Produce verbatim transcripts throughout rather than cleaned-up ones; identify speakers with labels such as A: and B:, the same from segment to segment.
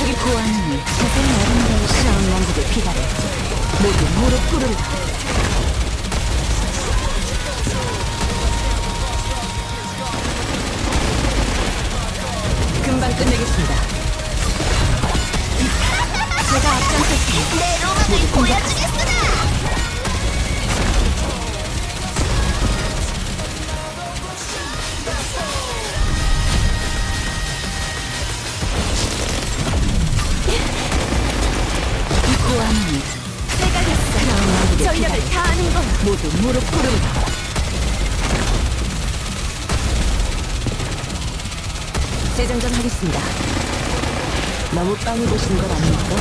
A: 이쪽이 고아님이 가장 아름다운 샤운 왕국의 비달을 모두 무릎 꿇으라. 금방 끝내겠습니다. 제가 앞장섰습니다.
B: 내 로망을 보여주겠으나!
A: 이 고아님이
B: 내가 했어.
A: 샤운 왕국의
B: 전력을
A: 비달을
B: 다하는 거야.
A: 모두 무릎 꿇으라. 재장전하겠습니다. 너무 빨리 보시는 것 아닙니까?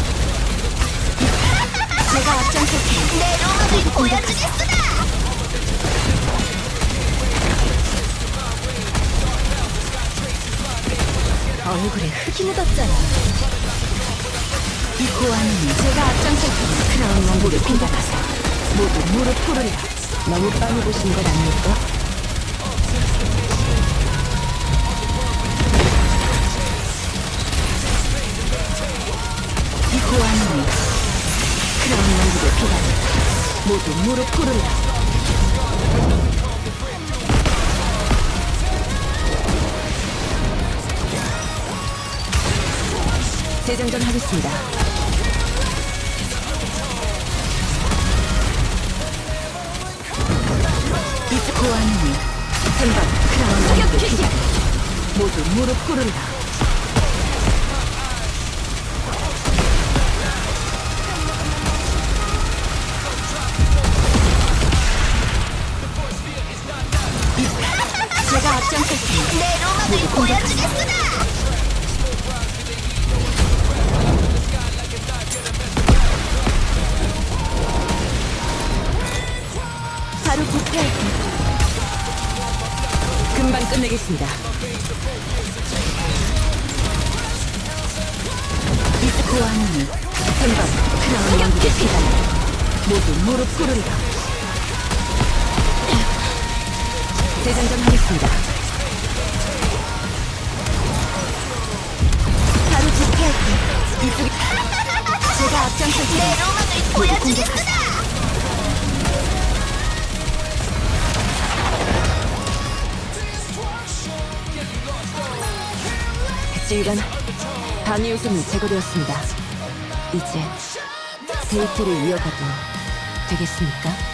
A: 제가 앞장섰습니다.
B: 내 로망을 보여주겠으나!
A: 얼굴에 흙이
B: 묻었잖아.
A: 이 고아님이 제가 앞장섰습니다. 크라운 왕국의 비달아서 모두 무릎 꿇으라. 너무 빨리 보시는 것 아닙니까? 이 고아님이 크라운 왕국의 비달을 모두 무릎 꿇으라. 재장전 하겠습니다. 이 고아님이 한방 크라운 왕국의 비달을 모두 무릎 꿇으라. 제가 앞장섰습니다.
B: 내 로망을 보여주겠으나!
A: 바로 부패할게. 금방 끝내겠습니다. 이 고아님이 한방 크라운 왕국의 비달을 모두 무릎 꿇으라. 재장전하겠습니다. 바로 부패할게. 이쪽이 제가 앞장섰습니다.
B: 내 로망을 보여주겠으나!
A: 질간 단위 요소는 제거되었습니다. 이제 데이트를 이어가도 되겠습니까?